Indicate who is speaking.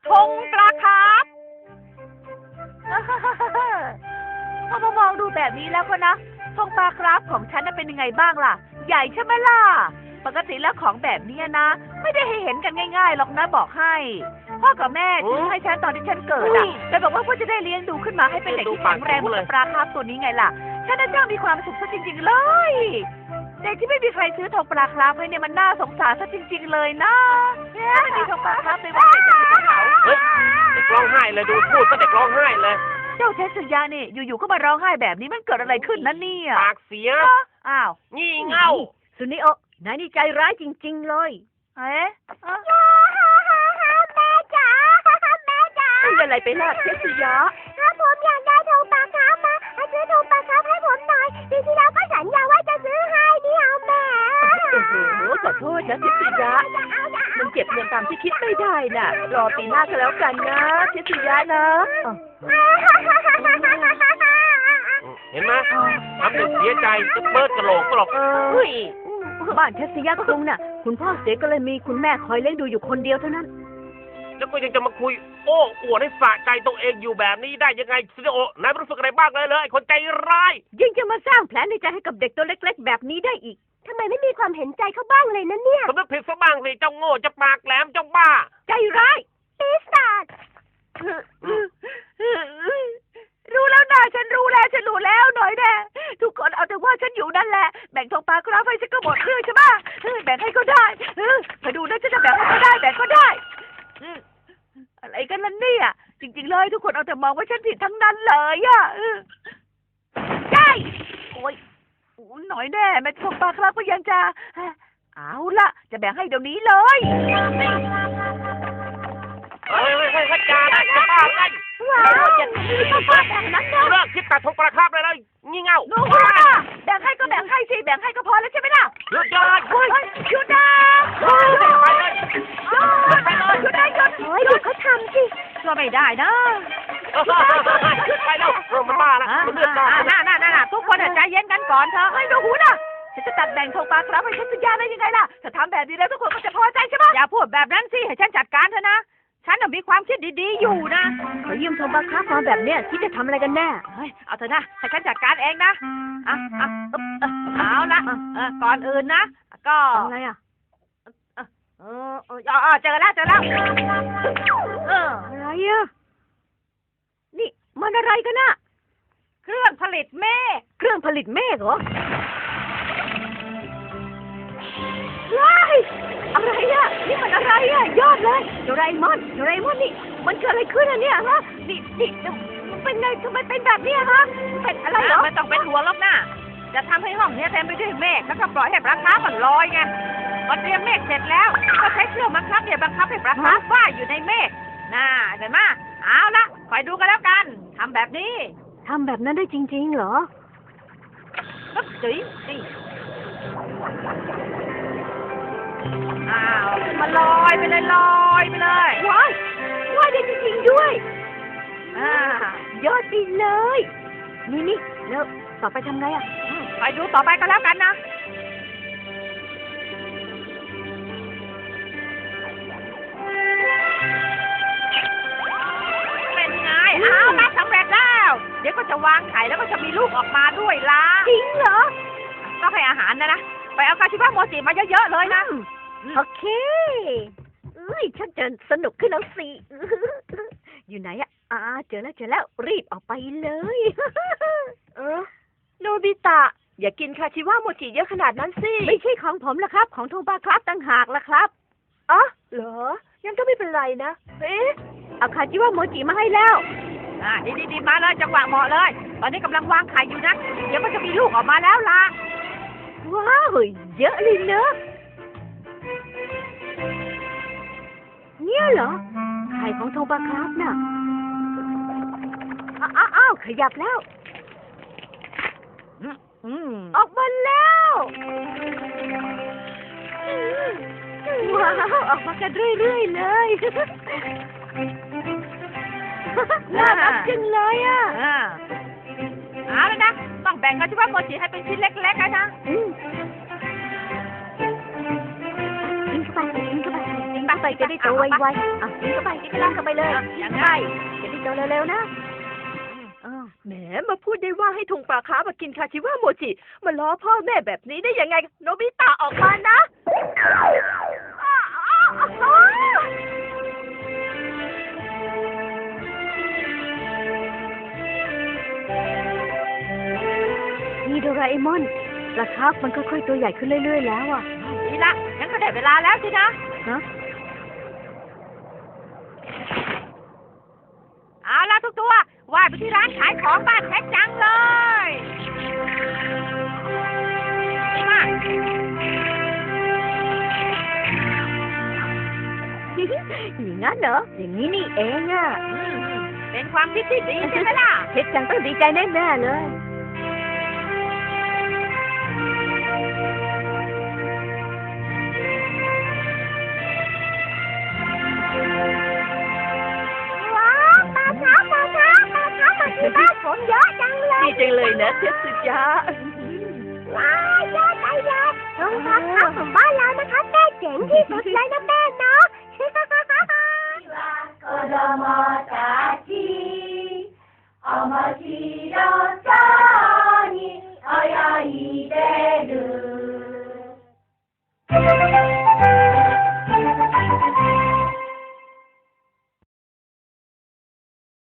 Speaker 1: ธงปลาคาร์ฟพอมามองดูแบบนี้แล้วก็นะธงปลาคาร์ฟของฉันน่ะเป็นยังไงบ้างล่ะใหญ่ใช่ไหมล่ะปกติแล้วของแบบนี้นะไม่ได้ให้เห็นกันง่ายๆหรอกนะบอกให้พ่อกับแม่ซื้อให้ฉันตอนที่ฉันเกิดอะแต่บอกว่าพ่อจะได้เลี้ยงดูขึ้นมาให้เป็นเด็กที่แข็งแรงเหมือนปลาคาร์ฟตัวนี้ไงล่ะฉันน่ะจ้างมีความสุขซะจริงๆเลยเด็กที่ไม่มีใครซื้อธงปลาคาร์ฟให้เนี่ยมันน่าสงสารซะจริงๆเลยนะถ้าไม่มีธงปลาคาร์ฟในวันเด็กจะเป็นเขา
Speaker 2: เฮ้ยเด็กร้องไห้เลยดูพูดก็เด็กร้องไห้เลย
Speaker 1: เจ้าเทสยาเนี่ยอยู่ๆก็มาร้องไห้แบบนี้มันเกิดอะไรขึ้นนั่นเนี่ย
Speaker 2: ปากเสีย
Speaker 1: อ้าว
Speaker 2: งี่เง่า
Speaker 3: สุนิโอนายนี่ใจร้ายจริงๆเลย
Speaker 1: เอ๊ะ
Speaker 3: แม่จ๋าแม่จ๋า
Speaker 1: เป็นอะไรไปล่ะเทสยา
Speaker 3: ถ้าผมอยากได้ธงปลาคาร์ฟมาซื้อธงปลาคาร์ฟให้ผมหน่อยปีที่แล้วก็สัญญาว่าจะซื้อให้นี่เอาแม่
Speaker 1: โอ้โหขอโทษนะเทสยามันเก็บเงินตามที่คิดไม่ได้น่ะรอปีหน้าก็แล้วกันนะเทสยานะ
Speaker 2: เห็นไหมทำเด็กเสียใจจะเบิดกระโหลกก็หรอก
Speaker 3: เฮ้ยบ้านเทสยาคุงน่ะคุณพ่อเสียก็เลยมีคุณแม่คอยเลี้ยงดูอยู่คนเดียวเท่านั้น
Speaker 2: แล้วก็ยังจะมาคุยโอ้อวดให้สะใจตัวเองอยู่แบบนี้ได้ยังไงซิโอนายไม่รู้สึกอะไรบ้างเลยไอ้คนใจร้าย
Speaker 3: ยังจะมาสร้างแผลในใจให้กับเด็กตัวเล็กๆแบบนี้ได้อีกทำไมไม่มีความเห็นใจเขาบ้างเลยนะเนี่ย
Speaker 2: สำนึกผิดซะบ้างสิเจ้าโง่เจ้าปากแหลมเจ้าบ้า
Speaker 3: ใจร้ายปีศาจ
Speaker 1: รู้แล้วนะฉันรู้แล้วหน่อยแน่ทุกคนเอาแต่ว่าฉันอยู่นั่นแหละแบ่งธงปลาคราฟให้ฉันก็หมดเรื่องใช่ไหมแบ่งให้ก็ได้มาดูนะฉันจะแบ่งให้ก็ได้แบ่งก็ได้อะไรกันล่ะเนี่ยจริงๆเลยทุกคนเอาแต่มองว่าฉันผิดทั้งนั้นเลยอ่ะได้โอ้ยหน่อยแน่แม่ธงปลาคราฟก็ยังจะเอาละจะแบ่งให้เดี๋ยวนี้เลย
Speaker 2: เฮ้ยจ้าได้จะบ้าไง
Speaker 3: ว้าวอย่างนี้ก็ฟาดแบบนั้นนะ
Speaker 2: เลิกคิดตัดทงประคับเลยงี่เง่า
Speaker 1: โน้ตแบ่งให้ก็แบ่งให้สิแบ่งให้ก็พอแล้วใช่ไหมล่ะ
Speaker 2: หยุดยอด
Speaker 1: เฮ้ยหยุดนะ
Speaker 2: ไปเลย
Speaker 1: หยุดนะหยุด
Speaker 3: เฮ้ยเดี๋ยวเขาทำสิ
Speaker 1: ก็ไม่ได้นะ
Speaker 2: ไปแล้วมันบ้าแล้วมันเลือดตา
Speaker 1: น่าทุกคนใจเย็นกันก่อนเถอะเฮ้ยดูหูนะจะตัดแบ่งธงปลาครับให้ฉันสัญญาได้ยังไงล่ะถ้าทำแบบนี้แล้วทุกคนก็จะพอใจใช่ไหมอย่าพูดแบบนั้นสิให้ฉันจัดการเถอะนะฉันมีความคิดดีๆอยู่นะ
Speaker 3: เขายืมธงปลาคาร์ฟมาแบบเนี้ยคิดจะทำอะไรกันแน่
Speaker 1: เฮ้ยเอาเถอะนะให้ฉันจัดการเองนะเอาละก่อนอื่นนะก็
Speaker 3: อะไรอ่ะ
Speaker 1: เจอแล้ว
Speaker 3: อะไรอ่ะนี่มันอะไรกันน่ะ
Speaker 1: เครื่องผลิตเมฆ
Speaker 3: เครื่องผลิตเมฆเหรอว้ายอะไรอ่ะนี่มันอะไรอ่ะยอดเลยโดราเอมอนนี่มันเกิดอะไรขึ้นอ่ะเนี่ยฮะนี่มันเป็นไงทำไมเป็นแบบนี้ฮะเป็นอะไรเหรอ
Speaker 1: ไม่ต้องเป็นหัวลบหน้าจะทำให้ห้องนี้เต็มไปด้วยเมฆแล้วก็ปล่อยให้ปลาคาร์ฟมันลอยไงพอเตรียมเมฆเสร็จแล้วก็ใช้เครื่องบังคับบังคับให้ปลาคาร์ฟว่ายอยู่ในเมฆน่าเห็นไหมเอาละคอยดูกันแล้วกันทำแบบนี้
Speaker 3: ทำแบบนั้นได้จริงๆเหรอ
Speaker 1: ก็จุ๋ยนี่อ้าวมันลอยไปเลย
Speaker 3: ว้ายได้จริงๆด้วยยอดไปเลยนี่แล้วต่อไปทำไงอ่ะ
Speaker 1: ไปดูต่อไปกันแล้วกันนะเป็นไงเอาละสำเร็จแล้วเดี๋ยวก็จะวางไข่แล้วก็จะมีลูกออกมาด้วยล่ะ
Speaker 3: จริงเหรอ
Speaker 1: ต้องให้อาหารนะไปเอากาชิบะโมจิมาเยอะๆเลยนะ
Speaker 3: โอเคชักจะสนุกขึ้นแล้วสิ อยู่ไหนอ่ะเจอแล้วรีบออกไปเลย
Speaker 1: โนบิตะอย่ากินคาชิวะโมจิเยอะขนาดนั้นสิ
Speaker 3: ไม่ใช่ของผมละครับของโทบาครับต่างหากละครับ
Speaker 1: เหรอยังก็ไม่เป็นไรนะ
Speaker 3: เอาคาจิวะโมจิมาให้แล้ว
Speaker 1: ดีมาเลยจังหวะเหมาะเลยตอนนี้กำลังวางไข่อยู่นะเดี๋ยวก็จะมีลูกออกมาแล้วล่ะ
Speaker 3: ว้าวเยอะเลยเนอะเนี่ยเหรอไข่ของโทบาครับน่ะอ้าวขยับแล้วออกมาแล้วว้าวออกมากันเรื่อยๆเลยน่ารักจังเลยอ่ะ
Speaker 1: เอาเลยนะต้องแบ่งกันใช่ไหมโมจิให้เป็นชิ้นเล็กๆนะ
Speaker 3: กินเข้าไป
Speaker 1: กินไป
Speaker 3: ไปจะได้โตไวๆอ่ะกินเข้าไปกินเข้าไปเลยอย่างไรจะได้โตเร็วๆนะแหมมาพูดได้ว่าให้ทงปลาคามากินคาชิวะโมจิมาล้อพ่อแม่แบบนี้ได้ยังไงโนบิตะออกมานะนี่โดราเอมอนปลาคาร์ฟมันค่อยๆตัวใหญ่ขึ้นเรื่อยๆแล้วอ่ะ
Speaker 1: นี่ละงั้นก็ได้เวลาแล้วสินะ
Speaker 3: ฮะ
Speaker 1: เอาละทุกตัวว่ายไปที่ร้านขายของบ้านแท็กจังเลยมา
Speaker 3: อย่างนั้นเหรออย่างนี้นี่เองอ่ะ
Speaker 1: เป็นความคิดที่ดีใช่ไหมล่ะ
Speaker 3: เพชรจังต้องดีใจแน่ๆเลยว้าวปลาช้ามาที่บ้านผมเยอะจังเลยดีจังเลยนะเทพจ้าว้าวเยอะใจเยอะโรงพักของบ้านเรานะคะแม่เจ๋งที่สุดเลยนะแม่เนาะ子供たち面白